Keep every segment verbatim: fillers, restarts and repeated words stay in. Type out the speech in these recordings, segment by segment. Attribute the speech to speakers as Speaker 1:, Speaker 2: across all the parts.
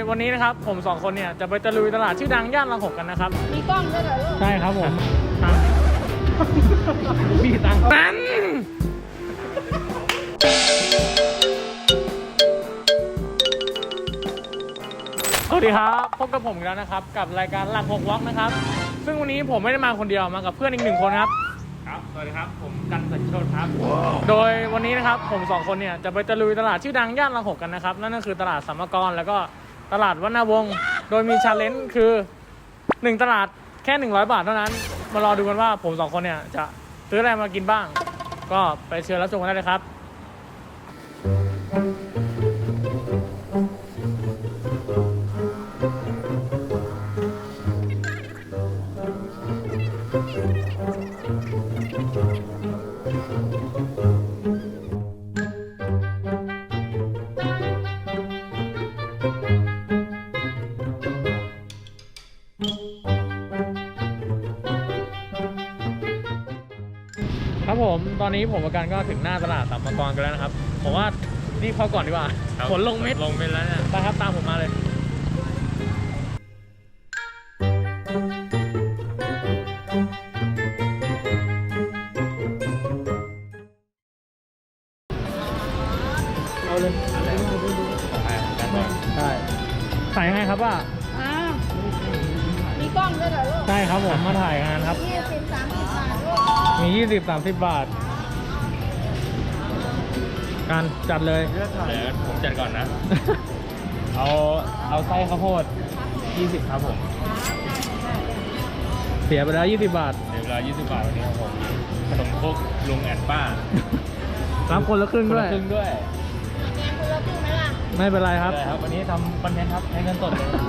Speaker 1: วันนี้นะครับผมสองคนเนี่ยจะไปตะลุยตลาดชื่อดังย่านรังหกกันนะครับ
Speaker 2: มีกล้องด้วยเหรอลูก
Speaker 1: ใช่ครับผมมีตังค์นั้นสวัสดีครับพบกับผมแล้วนะครับกับรายการหลักหกวอล์กนะครับซึ่งวันนี้ผมไม่ได้มาคนเดียวมากับเพื่อนอีกหนึ่งคนครับ
Speaker 3: ครับสวัสดีครับผมกันสัญโชติครับ
Speaker 1: โดยวันนี้นะครับผมสองคนเนี่ยจะไปตะลุยตลาดชื่อดังย่านรังหกกันนะครับนั่นก็คือตลาดสัมมกรแล้วก็ตลาดวรรณวงศ์โดยมีชาเลนจ์คือหนึ่งตลาดแค่หนึ่งร้อยบาทเท่านั้นมารอดูกันว่าผมสองคนเนี่ยจะซื้ออะไรมากินบ้างก็ไปเชิญรับชมกันได้เลยครับครับผมตอนนี้ผมกับกันก็ถึงหน้าตลาดสัมมกรกันแล้วนะครับผมว่ารีบเข้าก่อนดีกว่าฝนลงเม็ด
Speaker 3: ลงเม็ดแล้วเนี่ย
Speaker 1: ไปครับตามผมมาเลยเอาเลยใช่ถ่ายยังไงครับว่า
Speaker 2: อ้าวมีกล้องด้วยเหรอลูก
Speaker 1: ใช่ครับผมมาถ่ายงานครับ
Speaker 2: ยี่สิบสามสิบบาทลูก
Speaker 1: มียี่สิบสามสิบบาทการจัดเลย
Speaker 3: เดี๋ยวผมจัดก่อนนะ เอาเอาไส้ข้าวโพดยี่สิบครับผม
Speaker 1: เสียไปแล้วยี่สิบบาท
Speaker 3: เดี๋ยวเวลายี่สิบบาทวันนี้ครับผมขนมครกลุงแอนป้า
Speaker 1: รับคนละครึ่งด้วย
Speaker 3: ครึ่งด้วย
Speaker 2: แกงคนละครึ่งไหมล่ะ
Speaker 1: ไม่เป็นไรครับ
Speaker 3: ครับวันนี้ทำคอนเทนต์ครับให้เงินสดเลย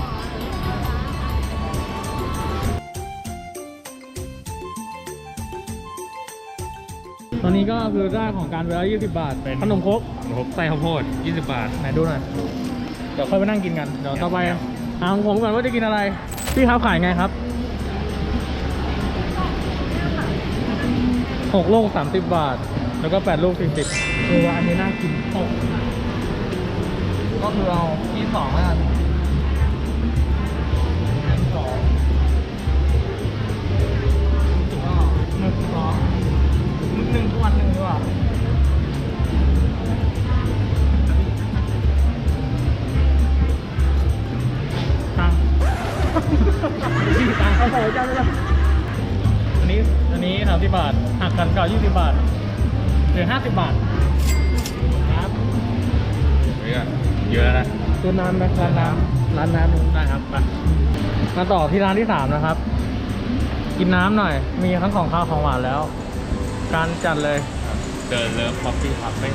Speaker 1: ตอนนี้ก็คือได้ของการไปแล้วยี่สิบบาทขนมครก
Speaker 3: ขนมครกไส้ข้าวโพดยี่สิบบาท
Speaker 1: ไหนดูหน่อยเดี๋ยวค่อยไปนั่งกินกันเดี๋ยวต่อไปหาของผมก่อนว่าจะกินอะไรพี่ครับขายไงครับหกลูกสามสิบบาทแล้วก็แปดลูกสี่สิบคือว่าอันนี้น่ากินหกก็คือเอาที่สองแล้วกันสองก็หนึ่งสองหนึ่งวันหนึ่งด้วยตังที่ตังเขาใส่เจ้าเลยอันนี้อันนี้สามสิบบาทหักกันเก่ายี่สิบบาทเหลือห้าสิบบาทครับ
Speaker 3: เยอะแล้วนะ
Speaker 1: ตัวน้ำไหมร้านน้ำร้านน้ำได้ครับมามาต่อที่ร้านที่สามนะครับกินน้ำหน่อยมีทั้งของข้าวของหวานแล้วการจัดเลย
Speaker 3: เดินเลิฟคอฟฟี่คาเฟ่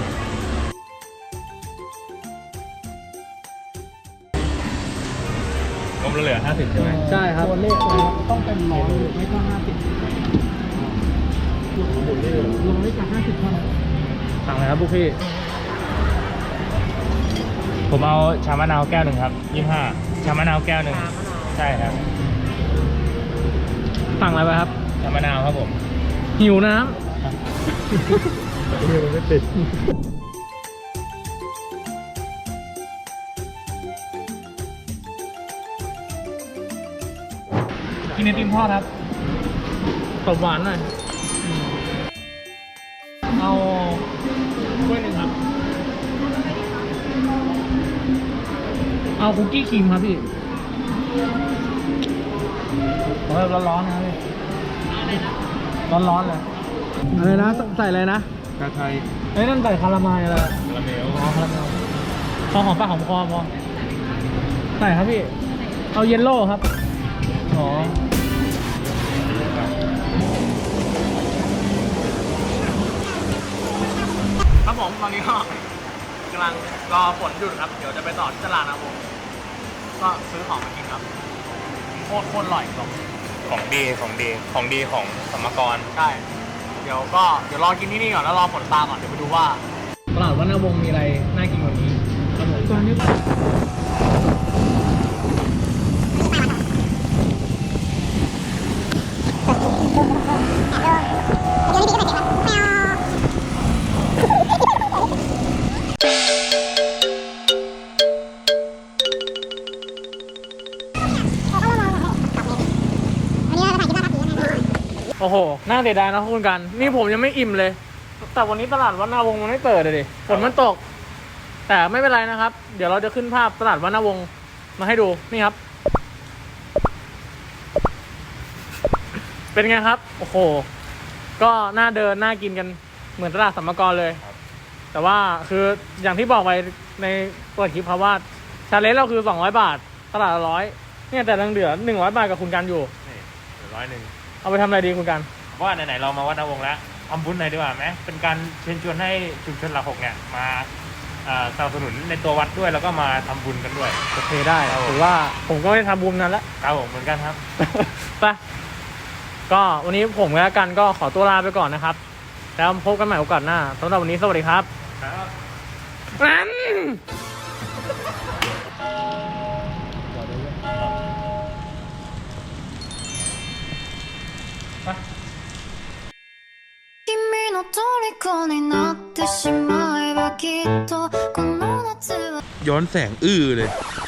Speaker 3: ผมเหลือห้าสิบใช่ไหม
Speaker 1: ใช่ครับ
Speaker 2: ตัวเลขต้องเป็นร้อยไม่ก็ห้าสิบร้อยกับห้าสิบเท่านั้น
Speaker 1: สั่งเลยครับพวกพี่
Speaker 3: ผมเอาชามะนาวแก้วหนึ่งครับยี่สิบห้าชามะนาวแก้วหนึ่งใช่ครับ
Speaker 1: สั่งอะไรไปครับ
Speaker 3: ชามะนาวครับผม
Speaker 1: หิวน้ำหิวไม่ติดกินไอติมทอดครับตบหวานหน่อยเอาถ้วยหนึ่งครับเอาคุกกี้ครีมครับพี่ร้อนร้อนๆนะพี่ร้อนร้อนเลยอะไรนะใส่อะไรนะ
Speaker 3: กระไทย
Speaker 1: เอ้ยนั่นใส่คาราเมลอะไร
Speaker 3: คาราเมล
Speaker 1: อ๋อคาราเมลพอหอมปากหอมคอพอใส่ครับพี่เอาเยลโล่ครับอ๋อครับผมตอนนี้ก็กำลังรอฝนหยุดครับเดี๋ยวจะไปต่อที่ตลาดนะผมก็ซื้อของมากินครับโคตรโคตรอร่อยครับ
Speaker 3: ของดีของดีของดีของสัมมกร
Speaker 1: ใช่เดี๋ยวก็เดี๋ยวรอกินที่นี่ก่อนแล้วรอฝนตามก่อนเดี๋ยวไปดูว่าตลาดวรรณวงศ์มีอะไรน่ากินกว่านี้ครับผมตอนนี้โอ้โห น่าเสียดายนะคุณกัน นี่ผมยังไม่อิ่มเลย แต่วันนี้ตลาดวัดนาวงศ์มันไม่เปิดเลยดิฝนมันตก แต่ไม่เป็นไรนะครับ เดี๋ยวเราจะขึ้นภาพตลาดวัดนาวงศ์มาให้ดู นี่ครับ เป็นไงครับ โอ้โห ก็น่าเดินน่ากินกันเหมือนตลาดสัมมกรเลย แต่ว่าคืออย่างที่บอกไปในเปิดคลิปครับว่าชาเลนจ์เราคือสองร้อยบาท ตลาดละร้อยเนี่ยแต่ยังเหลือหนึ่งร้อยบาทกับคุณกันอยู่
Speaker 3: นี่เหลือร้อยหนึ่ง
Speaker 1: เอาไปทำอะไรดีคุณกัน
Speaker 3: เพราะว่าไหนๆเรามาวัดนาวงศ์แล้วทำบุญหน่อยดีกว่าไหมเป็นการเชิญชวนให้ชุมชนหลักหกเนี่ยมาเอ่อสนับสนุนในตัววัดด้วยแล้วก็มาทำบุญกันด้วย
Speaker 1: โอเคได้
Speaker 3: ครับผม
Speaker 1: ถือว่าผมก็ไม่ได้ทำบุญนั้นแล้ว
Speaker 3: ครับผมเหมือนกันครับ
Speaker 1: ไปก็วันนี้ผมและกันก็ขอตัวลาไปก่อนนะครับ แล้วพบกันใหม่โอกาสหน้าสำหรับวันนี้สวัสดีครับ
Speaker 3: ครับ
Speaker 1: นั้น
Speaker 4: 君の虜になってしまえばきっとこの夏は
Speaker 5: ย้อนแสงอื้อเลย
Speaker 4: 「